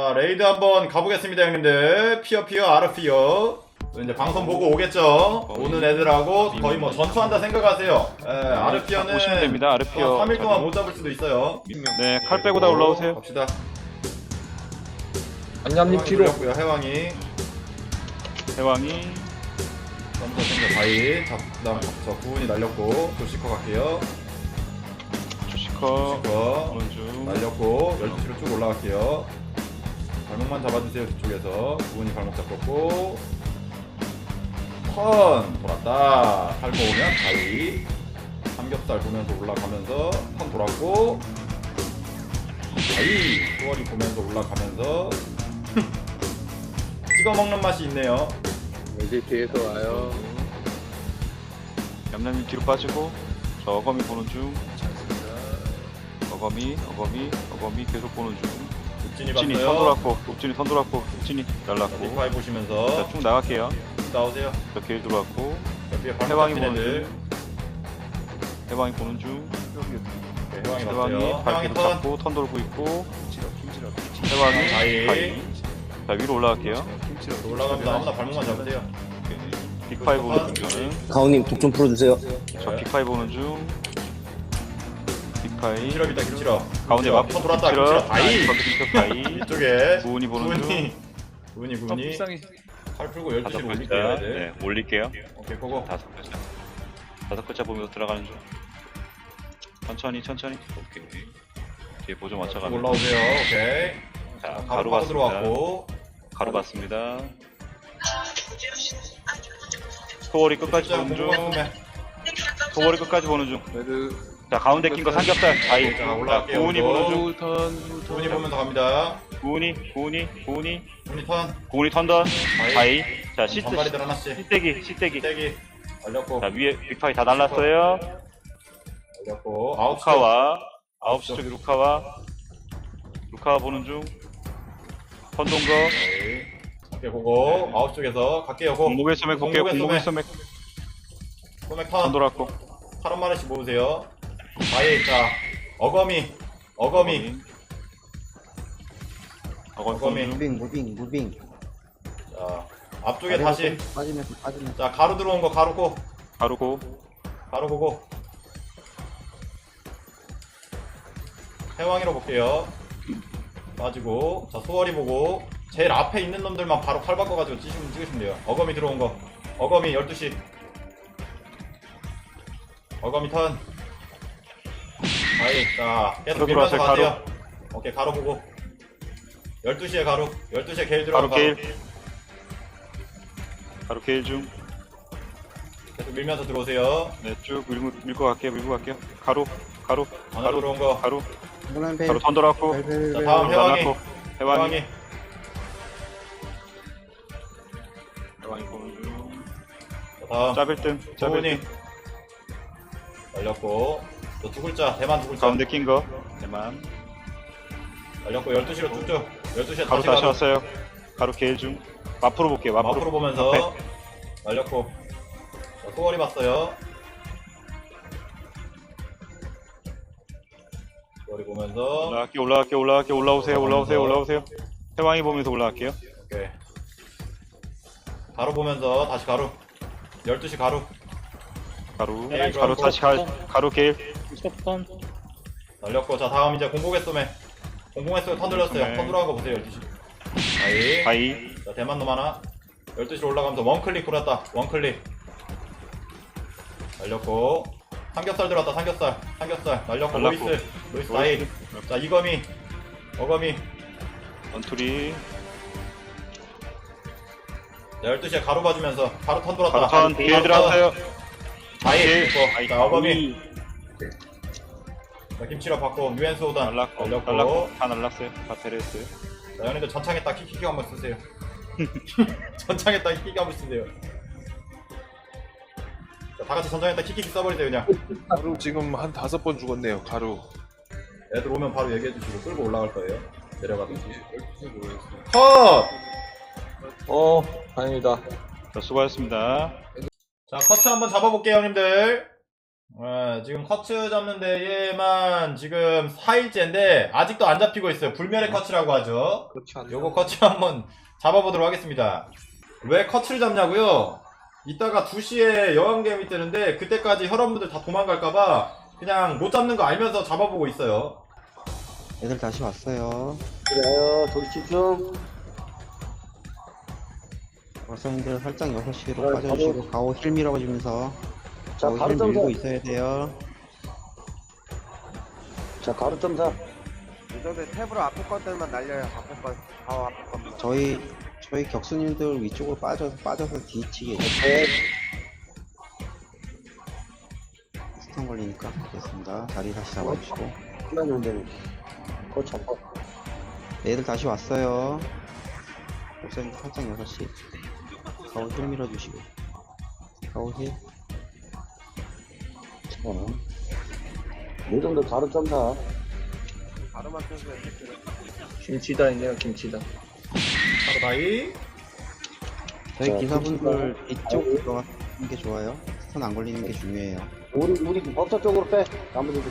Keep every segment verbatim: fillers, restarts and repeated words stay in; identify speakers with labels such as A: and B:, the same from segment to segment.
A: 자, 레이드 한번 가보겠습니다, 형님들. 피어피어 아르피어. 이제 방송 보고 오겠죠? 오는 애들하고 거의 뭐 전투한다 생각하세요. 예, 아르피어는
B: 보시면 됩니다. 아르피어
A: 삼 일 동안 못 잡을 수도 있어요.
B: 네, 칼 빼고 다 올라오세요.
A: 갑시다.
C: 안녕님 뒤로.
A: 고요 해왕이.
B: 해왕이
A: 썸더 생겨 바이. 자, 그다음 저 구운이 날렸고 조시커 갈게요.
B: 주시커
A: 조시커
B: 오는 중.
A: 날렸고 열두 시로 쭉 올라갈게요. 발목만 잡아주세요. 뒤쪽에서 구운이 발목 잡았고 턴 돌았다. 팔 모으면 바이. 삼겹살 보면서 올라가면서 턴 돌았고 바이. 수월이 보면서 올라가면서 찍어 먹는 맛이 있네요.
C: 이제 뒤에서 와요.
B: 얌얌이 뒤로 빠지고 저 어거미 보는 중. 어거미 어거미 어거미 계속 보는 중.
A: 욱진이
B: 욱진이 선
A: 봤어요.
B: 돌았고 욱진이 선 돌았고 욱진이 날랐고.
A: 리파이 보시면서
B: 자, 쭉 나갈게요.
A: 나오세요.
B: 저 길 들어왔고
A: 옆에 발목
B: 해왕이
A: 잡힌
B: 보는
A: 애들.
B: 중. 해왕이 보는 중.
A: 네, 해왕이
B: 해왕이
A: 봤어요.
B: 발
A: 해왕이
B: 계속
A: 턴.
B: 잡고 턴 돌고 있고. 해왕이
A: 바이.
B: 바이. 자 위로 올라갈게요.
A: 올라가면서 아무나 발목만 잡으세요.
B: 빅파이 보는 중 저는.
D: 가오님 독 좀 풀어주세요.
B: 저 빅파이 보는 중. 빅파이.
A: 김치럽이다 김치럽.
B: 가운데 맞
A: 턴 돌았다 김치럽. 바이.
B: 바이.
A: 이쪽에
B: 구운이 보는 중.
A: 구운이 구운이 구운이 팔 풀고 열두
B: 다섯
A: 시로
B: 글자.
A: 올릴게요 애들.
B: 네, 올릴게요.
A: 오케이 고고.
B: 다섯 글자. 다섯 글자 보면서 들어가는 중. 천천히, 천천히. 오케이. 뒤에 보조 맞춰가면.
A: 올라오세요. 오케이.
B: 자,
A: 가루
B: 가루
A: 파고
B: 봤습니다.
A: 들어왔고.
B: 가루 봤습니다. 소월이 끝까지
A: 진짜
B: 보는 중.
A: 공공했으면.
B: 소월이 끝까지 보는 중.
C: 레드.
B: 자, 가운데 낀 거 삼겹살. 아이.
A: 자,
B: 자,
A: 올라갈게요.
B: 구운이 보는 중.
C: 우턴.
A: 구운이 보면서 갑니다.
B: 구운이, 구운이, 구운이.
A: 구운이 턴.
B: 구운이 턴던. 바이. 자, 시트.
A: 전발이들 하나씩.
B: 시떼기, 시떼기.
A: 떼기. 날렸고.
B: 자, 위에 빅파이 다 날랐어요.
A: 날렸고. 아홉 시.
B: 루카와 아홉 시 쪽에 루카와 루카와 보는 중. 선동거
A: 오케이. 오케이 고고. 아홉 쪽에서 갈게요 고.
B: 공목의 소맥 볼게요.
A: 공목의
B: 공목의 소맥
A: 소맥
B: 선
A: 턴.
B: 돌았고
A: 팔 마리씩 모으세요. 바이. 자 어거미. 어거미.
B: 어거미
A: 어거미.
B: 보는 중.
D: 무빙 무빙 무빙.
A: 자 앞쪽에 다시.
D: 빠지면서 빠지면서.
A: 자 가루 들어온 거 가루 고.
B: 가루고
A: 가루 고고. 해왕이로 볼게요. 빠지고. 자 소월이 보고. 제일 앞에 있는 놈들만 바로 칼 바꿔가지고 찍으시면, 찍으시면 돼요. 어거미 들어온 거. 어거미 열두 시. 어거미 턴. 아이, 자, 계속 밀면서
B: 들어왔어요,
A: 가세요. 오케이, 가루 보고. 열두 시에 가루. 열두 시에 게일
B: 가루
A: 들어가.
B: 게일 가루 게일 중.
A: 계속 밀면서 들어오세요.
B: 네, 쭉 밀고 밀고 갈게요. 밀고 갈게요. 가루 가루
A: 안에
B: 가루
A: 들어온 거.
B: 가루
D: 노란 배.
B: 가루 선 돌았고
A: 자,
D: 벨벨벨.
A: 다음 해왕이.
B: 날랐고 해왕이
A: 해왕이.
B: 해왕이 보는 중.
A: 자, 다음.
B: 짜빌등
A: 구운이.
B: 짜빌등
A: 날렸고. 또 두 글자. 대만 두 글자.
B: 가운데 낀 거. 대만
A: 날렸고 열두 시로 쭉쭉. 열두 시에
B: 가루
A: 다시
B: 다시
A: 가루.
B: 왔어요. 가루 게일 중. 마프로 볼게요. 마프로.
A: 마프로 보면서
B: 앞에.
A: 날렸고. 자, 소월이 봤어요. 소월이 보면서.
B: 올라갈게요. 올라갈게요. 올라갈게요. 올라오세요. 올라오세요. 올라오세요. 해왕이 보면서 올라갈게요.
A: 오케이. 가루 보면서 다시 가루. 열두 시 가루.
B: 가루
A: 네,
B: 가루
A: 그럼
B: 다시 가, 가루 게일
A: 날렸고. 자, 다음 이제 공공의 쏘매. 공공의 쏘매 턴 들렸어요.
B: 네.
A: 턴 들어간 거 보세요. 열두 시. 아이.
B: 바이
A: 자, 대만 놈 하나. 열두 시로 올라가면서 원클릭 돌았다. 원클릭. 날렸고. 삼겹살 들어왔다. 삼겹살. 삼겹살. 날렸고.
B: 날랐고.
A: 로이스. 로이스 다이. 자, 이거미. 어거미.
B: 원투리
A: 자, 열두 시에 가루 봐주면서 가루 턴 돌았다.
B: 가루 턴 게일 들어왔어요.
A: 바이.
B: 게일.
A: 됐고. 자, 어거미. 자, 김치로 받고. 유엔스 오단.
B: 날랐고
A: 날렸고.
B: 날랐고 다 날랐어요. 다 테레스.
A: 자, 형님들 전창에 딱 키키키 한번 쓰세요. 전창에 딱 키키키 한번 쓰세요. 자, 다 같이 전창에 딱 키키키 써버리세요 그냥.
C: 가루 지금 한 다섯 번 죽었네요. 가루.
A: 애들 오면 바로 얘기해 주시고 끌고 올라갈 거예요. 내려가든지. 컷!
C: 어, 다행이다.
B: 자, 수고하셨습니다.
A: 자, 커트 한번 잡아볼게요 형님들. 예, 지금 커츠 잡는 데에만 지금 사 일째인데 아직도 안 잡히고 있어요. 불멸의 커츠라고 하죠. 요거 커츠 한번 잡아보도록 하겠습니다. 왜 커츠를 잡냐고요? 이따가 두 시에 여왕개미 뜨는데 그때까지 혈원분들 다 도망갈까봐 그냥 못 잡는 거 알면서 잡아보고 있어요.
D: 애들 다시 왔어요.
E: 그래요. 조리 집중.
D: 월성님들 살짝 여섯 시로
E: 네,
D: 빠져주시고 가오 힐 밀어주면서
E: 자,
D: 가오
E: 가루
D: 힐
E: 점사.
D: 밀고 있어야 돼요.
E: 자, 가루 점사.
F: 이 정도에 탭으로 앞에 것들만 날려요. 앞에 것, 바로 앞에 것만.
D: 저희 저희 격수님들 위쪽으로 빠져서 빠져서 뒤치게
E: 네.
D: 스턴 걸리니까 됐습니다. 자리 다시 잡아주시고
E: 끝났는데. 그거 잡아.
D: 애들 다시 왔어요. 월성님들 살짝 여섯 시 가오 힐 밀어주시고 가오 힐
E: 자. 이 정도 가루 점사.
F: 바로만 펴주면 탭으로.
C: 김치다, 이제 김치다.
A: 바로 다이.
D: 저희
E: 자,
D: 기사분들
E: 김치가-
D: 이쪽 들어가는 게 좋아요. 스턴 안 걸리는 게 중요해요.
E: 우리, 우리 법사 쪽으로 빼. 나머지들.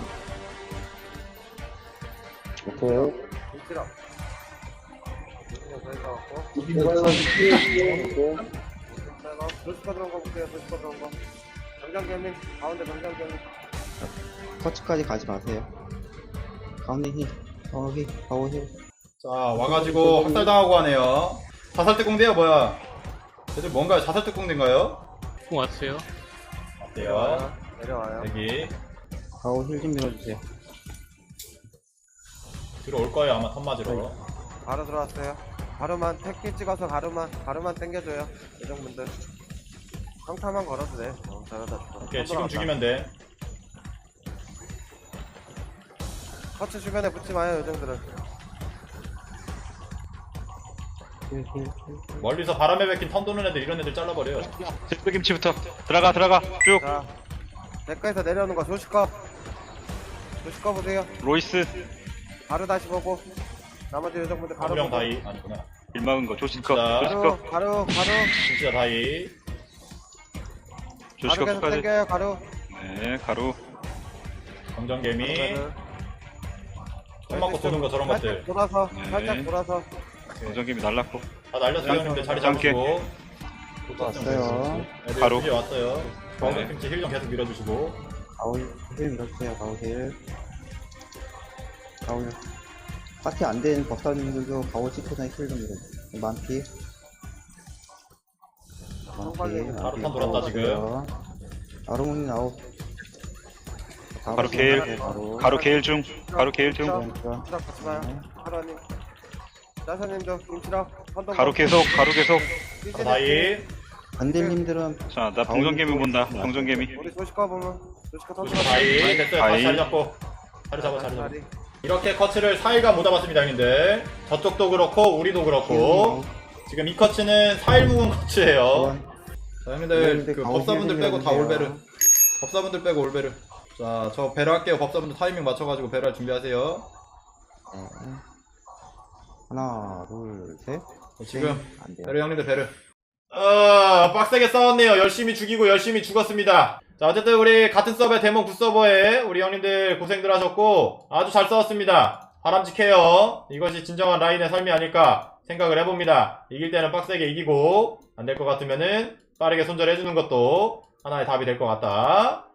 E: 오케이.
F: 김치랑. 김치랑 저희 가갖고.
E: 이거는 오케이.
F: 제가 도시파 들어온 거 볼게요. 도시파 들어온 거. 정장견님 가운데 정장견님.
D: 커츠까지 가지 마세요. 가운데 힐, 가오 힐, 가오 힐.
A: 자, 와가지고 학살당하고 하네요. 자살특공대요, 뭐야? 쟤들 뭔가요? 자살특공대인가요?
G: 공 왔어요.
A: 어때요?
F: 내려와요.
A: 여기
D: 가오 힐 좀 밀어주세요.
A: 들어올 거예요, 아마 턴 맞으러.
F: 바로 들어왔어요. 가루만 택키 찍어서 가루만 가루만 당겨줘요. 요정분들. 평타만 걸어도 돼. 어, 잘하다.
A: 오케이, 지금 죽이면 돼.
F: 커츠 주변에 붙지 마요. 요정들은.
D: 힐, 힐, 힐.
A: 멀리서 바람에 베낀 턴 도는 애들 이런 애들 잘라버려요.
B: 칠백김치부터 들어가 들어가 쭉.
F: 자, 대가에서 내려오는 거 조식거. 조식거 보세요.
B: 로이스
F: 가루 다시 보고. 나머지 요정분들 가루
A: 가무령
F: 보고.
A: 다이 아니구나.
B: 일 막은 거 조심껏
A: 자.
B: 조심껏
F: 가루, 가루, 가루.
A: 진짜 다이.
F: 가루
B: 조심껏
F: 계속
B: 끝까지.
F: 당겨요. 가루.
B: 네 가루.
A: 정전개미.
F: 가루를.
A: 턴 맞고 도는 거 저런 것들.
F: 살짝 돌아서,
B: 네.
F: 살짝 돌아서.
B: 정전김이 날랐고.
A: 다 날렸어요, 형님들. 자리
B: 짧게.
A: 잡으시고.
D: 왔어요.
A: 애들
B: 바로.
A: 이제 왔어요. 가운데
B: 네.
A: 김치 힐 좀 계속 밀어주시고.
D: 가오 힐 밀어주세요. 가오 힐. 가오 힐. 파티 안 된 법사님들도 가오 치코나 힐 좀 밀어주세요. 만피. 만피.
A: 바로 턴 돌았다, 지금.
D: 아르몬이 나오.
B: 바로 게일.
D: 바로.
B: 가루 게일 중. 가루 게일 중.
D: 그러니까.
F: 김치랑 같이 가요. 하루님. 짜사님도 김치랑 한동
B: 가루 계속 가루 계속.
A: 바로 다이.
D: 안딜님들은
B: 자 나 병정개미 본다. 병정개미.
F: 우리 조식과 보면 조식과
A: 조심 다이. 됐어요. 다시
B: 다이.
A: 자리 잡고. 자리 잡아, 자리 잡아. 이렇게 커츠를 사 일간 못 잡았습니다, 형님들. 저쪽도 그렇고, 우리도 그렇고. 지금 이 커츠는 사 일 묵은 커츠예요. 자, 형님들, 그 법사분들 빼고 다 올베르. 법사분들 빼고 올베르. 자, 저 베르 할게요. 법사분들 타이밍 맞춰가지고 베르 할 준비하세요.
D: 하나, 둘, 셋.
A: 지금,
D: 안 돼요.
A: 베르 형님들 베르. 어, 빡세게 싸웠네요. 열심히 죽이고 열심히 죽었습니다. 자, 어쨌든 우리 같은 서버의 데몬 구 서버에 우리 형님들 고생들 하셨고 아주 잘 싸웠습니다. 바람직해요. 이것이 진정한 라인의 삶이 아닐까 생각을 해봅니다. 이길 때는 빡세게 이기고 안 될 것 같으면은 빠르게 손절해주는 것도 하나의 답이 될 것 같다.